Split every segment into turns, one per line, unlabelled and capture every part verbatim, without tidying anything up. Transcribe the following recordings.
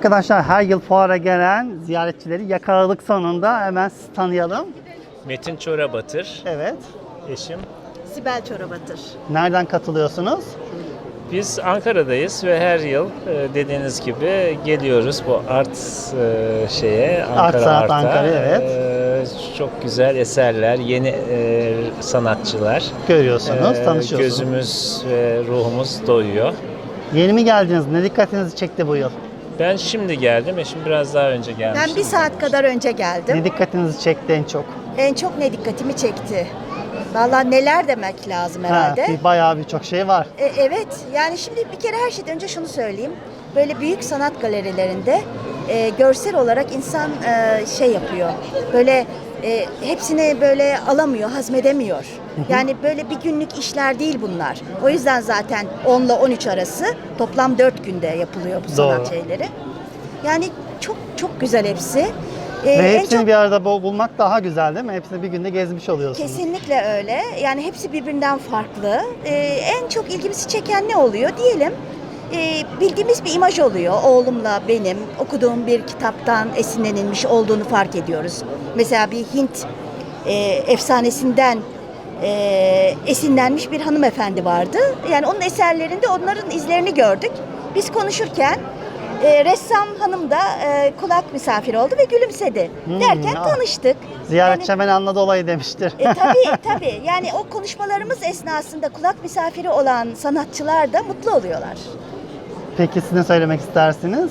Arkadaşlar her yıl fuara gelen ziyaretçileri yakaladık sonunda. Hemen sizi tanıyalım.
Metin Çorabatır,
Evet.
eşim.
Sibel Çorabatır.
Nereden katılıyorsunuz?
Biz Ankara'dayız ve her yıl e, dediğiniz gibi geliyoruz bu art e, şeye, Ankara
Art Sanat
Art'a.
Ankara, evet.
E, çok güzel eserler, yeni e, sanatçılar.
Görüyorsunuz,
E,
tanışıyorsunuz.
Gözümüz ve ruhumuz doyuyor.
Yeni mi geldiniz? Ne dikkatinizi çekti bu yıl?
Ben şimdi geldim, eşim biraz daha önce gelmişti.
Ben bir saat kadar önce geldim.
Ne dikkatinizi çekti en çok?
En çok ne dikkatimi çekti? Vallahi neler demek lazım herhalde.
Ha, bir bayağı birçok şey var.
E, evet, yani şimdi bir kere her şeyden önce şunu söyleyeyim. Böyle büyük sanat galerilerinde e, görsel olarak insan e, şey yapıyor. Böyle e, hepsini böyle alamıyor, hazmedemiyor. Yani böyle bir günlük işler değil bunlar. O yüzden zaten on ile on üç arası toplam dört günde yapılıyor bu sanat
Doğru.
şeyleri. Yani çok çok güzel hepsi. Ee,
Ve
en
hepsini
çok-
bir arada bul- bulmak daha güzel değil mi? Hepsini bir günde gezmiş oluyorsunuz.
Kesinlikle öyle. Yani hepsi birbirinden farklı. Ee, en çok ilgimizi çeken ne oluyor diyelim? Ee, bildiğimiz bir imaj oluyor. Oğlumla benim okuduğum bir kitaptan esinlenilmiş olduğunu fark ediyoruz. Mesela bir Hint e, efsanesinden e, esinlenmiş bir hanımefendi vardı. Yani onun eserlerinde onların izlerini gördük. Biz konuşurken e, ressam hanım da e, kulak misafiri oldu ve gülümsedi.
Hmm,
Derken
ah.
tanıştık.
Ziyaretçi
Yani-
hemen anladı olayı demiştir.
e, tabii tabii. Yani o konuşmalarımız esnasında kulak misafiri olan sanatçılar da mutlu oluyorlar.
Peki siz ne söylemek istersiniz?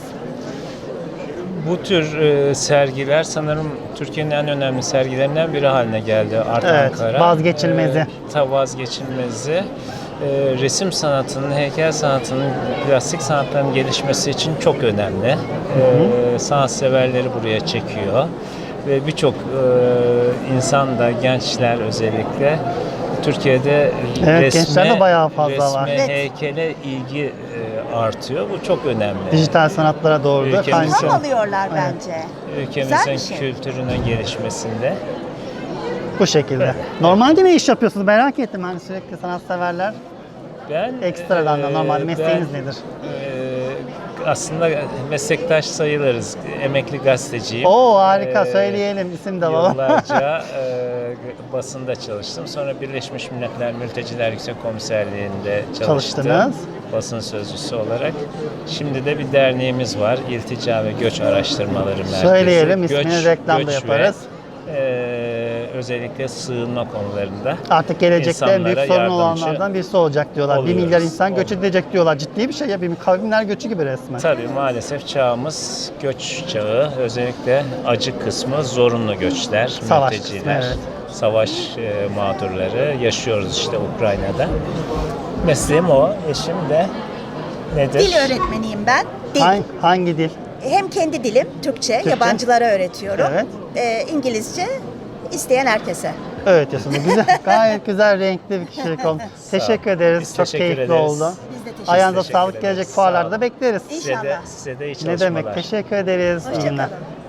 Bu tür e, sergiler sanırım Türkiye'nin en önemli sergilerinden biri haline geldi Art
Evet,
Ankara.
vazgeçilmezi.
E, ta vazgeçilmezi. E, resim sanatının, heykel sanatının, plastik sanatların gelişmesi için çok önemli. E, sanatseverleri buraya çekiyor. Ve birçok e, insan da, gençler özellikle Türkiye'de
Evet,
resme,
gençlerde bayağı fazla
resme,
var.
Evet.
heykele ilgi e, artıyor. Bu çok önemli.
Dijital sanatlara doğru da
Ülkemiz-
kaymış.
İlham alıyorlar
Evet.
bence.
Ülkemizin
Güzel bir şey.
kültürünün gelişmesinde.
Bu şekilde. Normalde ne iş yapıyorsunuz? Merak ettim. Hani sürekli sanatseverler.
Ben
Ekstradan da
eee,
normalde mesleğiniz
ben,
nedir?
eee, aslında meslektaş sayılırız. Emekli gazeteciyim.
Oo harika,
Eee,
söyleyelim, isim de alalım.
Yıllarca eee, basında çalıştım. Sonra Birleşmiş Milletler Mülteciler Yüksek Komiserliği'nde çalıştım.
Çalıştınız.
Basın sözcüsü olarak. Şimdi de bir derneğimiz var. İltica ve Göç Araştırmaları Merkezi.
Söyleyelim, ismini
Göç-
reklamda
göç ve,
yaparız.
eee, özellikle sığınma konularında.
Artık gelecekte en büyük
İnsanlara
sorun
yardımcı
olanlardan birisi olacak diyorlar. Bir
oluyoruz.
milyar insan göç
Oluyoruz.
edecek diyorlar. Ciddi bir şey ya. Bir kavimler göçü gibi resmen.
Tabii maalesef çağımız göç çağı. Özellikle acı kısmı zorunlu göçler,
Savaş
mülteciler,
kısmı, evet.
savaş e, mağdurları yaşıyoruz işte Ukrayna'da. Mesleğim o, eşim de nedir?
Dil öğretmeniyim ben. Dil.
Hangi, hangi dil?
Hem kendi dilim Türkçe,
Türkçe.
yabancılara öğretiyorum.
Evet.
Ee, İngilizce isteyen herkese.
Öğretiyorsunuz. Güzel, gayet güzel, renkli bir kişilik oldu. Teşekkür ederiz.
Biz
Çok
teşekkür
keyifli
ederiz.
oldu.
Biz de teşekkür
Ayağınıza
Teşekkür
sağlık,
ederiz.
gelecek
Sağ
fuarlarda
olun.
bekleriz.
Size de,
İnşallah.
size de iyi
Ne
çalışmalar.
demek? Teşekkür ederiz. İyi günler.
Hoşçakalın.